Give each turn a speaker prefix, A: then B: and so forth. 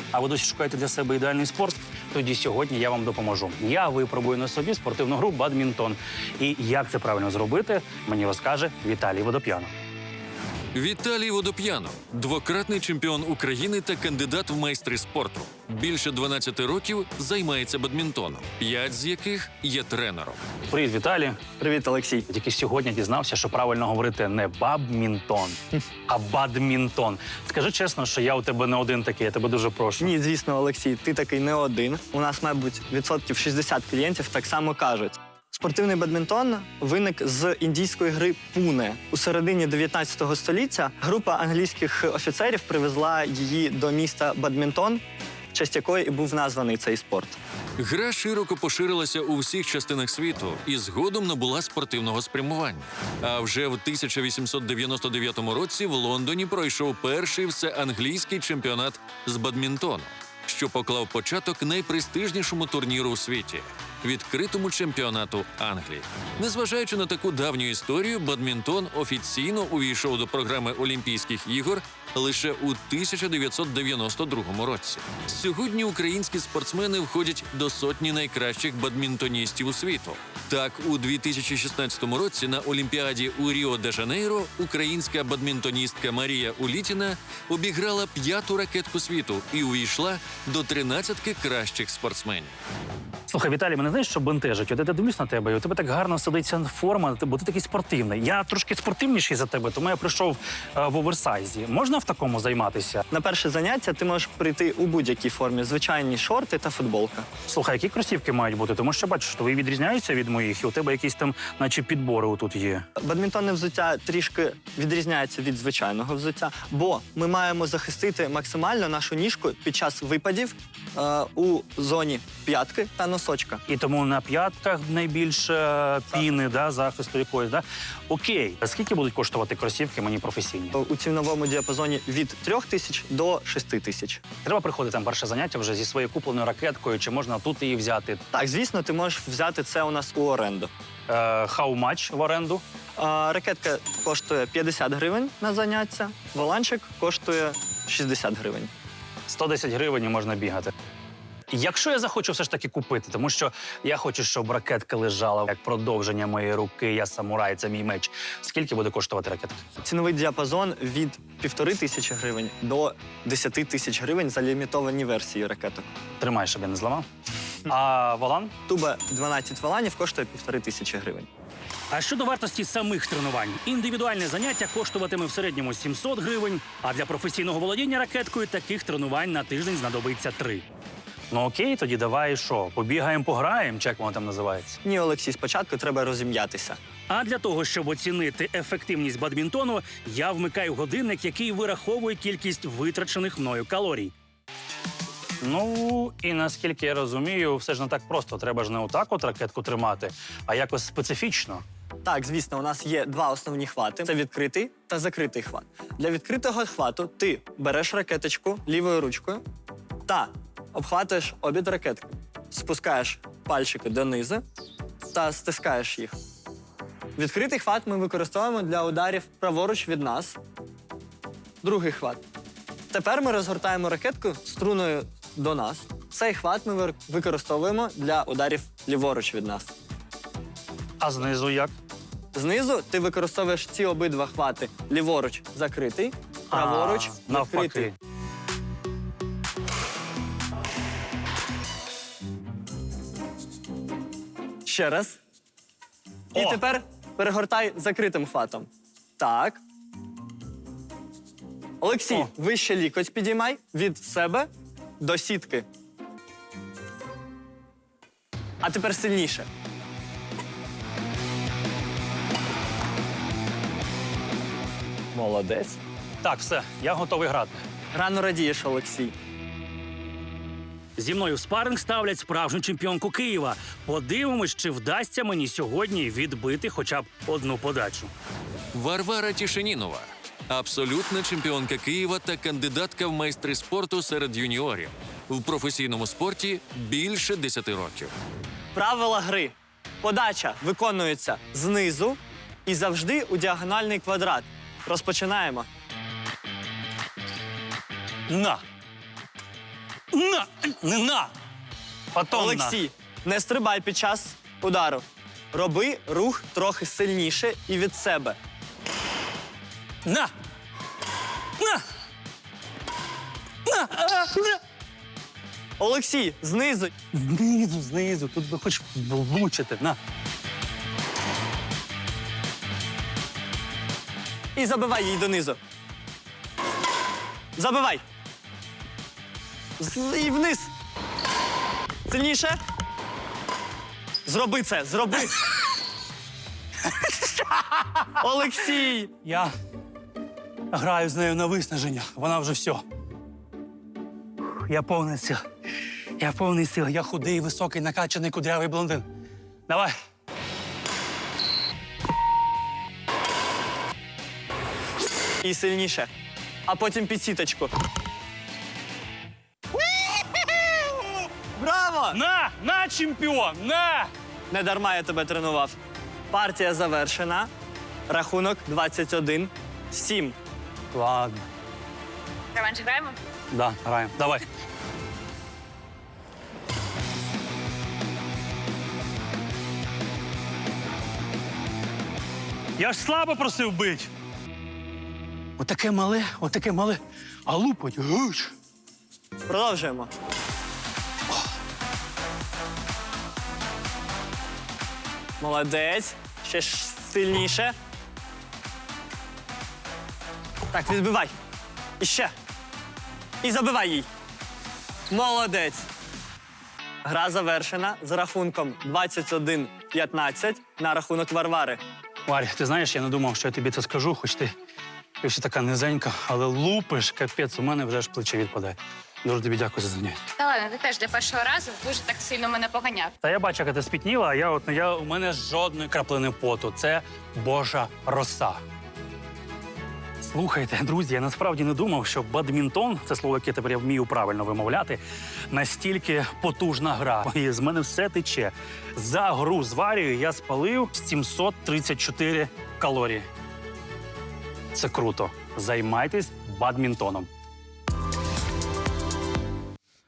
A: А ви досі шукаєте для себе ідеальний спорт? Тоді сьогодні я вам допоможу. Я випробую на собі спортивну гру «Бадмінтон». І як це правильно зробити, мені розкаже Віталій Водоп'янов.
B: Віталій Водоп'янов – двократний чемпіон України та кандидат в майстри спорту. Більше 12 років займається бадмінтоном, 5 з яких є тренером.
A: Привіт, Віталій.
C: Привіт, Олексій.
A: Тільки сьогодні дізнався, що правильно говорити не «бабмінтон», а «бадмінтон». Скажи чесно, що я у тебе не один такий, я тебе дуже прошу.
C: Ні, звісно, Олексій, ти такий не один. У нас, мабуть, відсотків 60 клієнтів так само кажуть. Спортивний бадмінтон виник з індійської гри пуне. У середині 19 століття група англійських офіцерів привезла її до міста Бадмінтон, в честь якої і був названий цей спорт.
B: Гра широко поширилася у всіх частинах світу і згодом набула спортивного спрямування. А вже в 1899 році в Лондоні пройшов перший всеанглійський чемпіонат з бадмінтону, що поклав початок найпрестижнішому турніру у світі – відкритому чемпіонату Англії. Незважаючи на таку давню історію, бадмінтон офіційно увійшов до програми Олімпійських ігор лише у 1992 році. Сьогодні українські спортсмени входять до сотні найкращих бадмінтоністів у світу. Так, у 2016 році на Олімпіаді у Ріо-де-Жанейро українська бадмінтоністка Марія Улітіна обіграла 5-ту ракетку світу і увійшла до 13-ки кращих спортсменів.
A: Слухай, Віталій, мене знаєш, що бентежить? От я дивлюсь на тебе, і у тебе так гарно сидиться форма, бо ти такий спортивний. Я трошки спортивніший за тебе, тому я прийшов в оверсайзі. Можна в такому займатися?
C: На перше заняття ти можеш прийти у будь-якій формі, звичайні шорти та футболка.
A: Слухай, які кросівки мають бути? Тому що, бачиш, твої відрізняються від моїх, і у тебе якісь там, наче підбори отут є.
C: Бадмінтонне взуття трішки відрізняється від звичайного взуття, бо ми маємо захистити максимально нашу ніжку під час випадів у зоні п'ятки та носочка.
A: І тому на п'ятках найбільше піни, да, захисту якоїсь, да? Окей. Скільки будуть коштувати кросівки мені професійні?
C: У ціновому діапазоні від 3 тисяч до 6 тисяч.
A: Треба приходити на перше заняття вже зі своєю купленою ракеткою, чи можна тут її взяти?
C: Так, звісно, ти можеш взяти це у нас у оренду.
A: How much в оренду?
C: Ракетка коштує 50 гривень на заняття, воланчик коштує 60 гривень.
A: 110 гривень і можна бігати. Якщо я захочу все ж таки купити, тому що я хочу, щоб ракетка лежала як продовження моєї руки, я самурай, це мій меч. Скільки буде коштувати ракетка?
C: Ціновий діапазон від 1500 гривень до 10 тисяч гривень за лімітовані версії ракеток.
A: Тримай, щоб я не зламав. А волан?
C: Туба 12 воланів коштує 1500 гривень.
A: А щодо вартості самих тренувань? Індивідуальне заняття коштуватиме в середньому 700 гривень, а для професійного володіння ракеткою таких тренувань на тиждень знадобиться 3. Ну окей, тоді давай що, побігаємо, пограємо, чи як воно там називається?
C: Ні, Олексій, спочатку треба розім'ятися.
A: А для того, щоб оцінити ефективність бадмінтону, я вмикаю годинник, який вираховує кількість витрачених мною калорій. Ну, і наскільки я розумію, все ж не так просто. Треба ж не отак от ракетку тримати, а якось специфічно.
C: Так, звісно, у нас є два основні хвати. Це відкритий та закритий хват. Для відкритого хвату ти береш ракеточку лівою ручкою та обхватуєш обід ракетки. Спускаєш пальчики донизу та стискаєш їх. Відкритий хват ми використовуємо для ударів праворуч від нас. Другий хват. Тепер ми розгортаємо ракетку струною до нас. Цей хват ми використовуємо для ударів ліворуч від нас.
A: А знизу як?
C: Знизу ти використовуєш ці обидва хвати. Ліворуч закритий, праворуч відкритий.
A: Навпаки.
C: Ще раз. І
A: О!
C: тепер перегортай закритим хватом. Так. Олексій,
A: О!
C: вище лікоть підіймай від себе до сітки. А тепер сильніше. Молодець.
A: Так, все, я готовий грати.
C: Рано радієш, Олексій.
A: Зі мною в спаринг ставлять справжню чемпіонку Києва. Подивимось, чи вдасться мені сьогодні відбити хоча б одну подачу.
B: Варвара Тішенінова – абсолютна чемпіонка Києва та кандидатка в майстри спорту серед юніорів. В професійному спорті більше 10 років.
C: Правила гри. Подача виконується знизу і завжди у діагональний квадрат. Розпочинаємо.
A: На! На! Не на! Потом
C: Олексій, не стрибай під час удару. Роби рух трохи сильніше і від себе.
A: На! На! На! На!
C: Олексій, знизу.
A: Знизу. Тут би хоч влучити. На.
C: І забивай її донизу. Забивай. І вниз. Сильніше. Зроби це, зроби. Олексій!
A: Я граю з нею на виснаження. Вона вже все. Я повний сил. Я повний сил. Я худий, високий, накачаний, кудрявий блондин. Давай.
C: І сильніше. А потім під сіточку. Браво!
A: На, чемпіон! На!
C: Не дарма я тебе тренував. Партія завершена. Рахунок 21-7.
A: Ладно.
D: Реванш граємо?
A: Да, граємо. Давай. Я ж слабо просив бить. Отаке мале, а лупать. Гуч.
C: Продовжуємо. Молодець. Ще ж сильніше. Так, відбивай. І ще. І забивай їй. Молодець. Гра завершена з рахунком 21-15 на рахунок Варвари.
A: Варя, ти знаєш, я не думав, що я тобі це скажу, хоч ти ще така низенька, але лупиш, капець, у мене вже аж плече відпадає. Дуже тобі дякую за заняття.
D: Та ладно, ти теж для першого разу дуже так сильно мене поганяв.
A: Та я бачу, як ти спітніла, а у мене жодної краплини поту. Це Божа роса. Слухайте, друзі, я насправді не думав, що бадмінтон, це слово, яке тепер я вмію правильно вимовляти, настільки потужна гра. І з мене все тече. За гру з Варією я спалив 734 калорії. Це круто. Займайтесь бадмінтоном.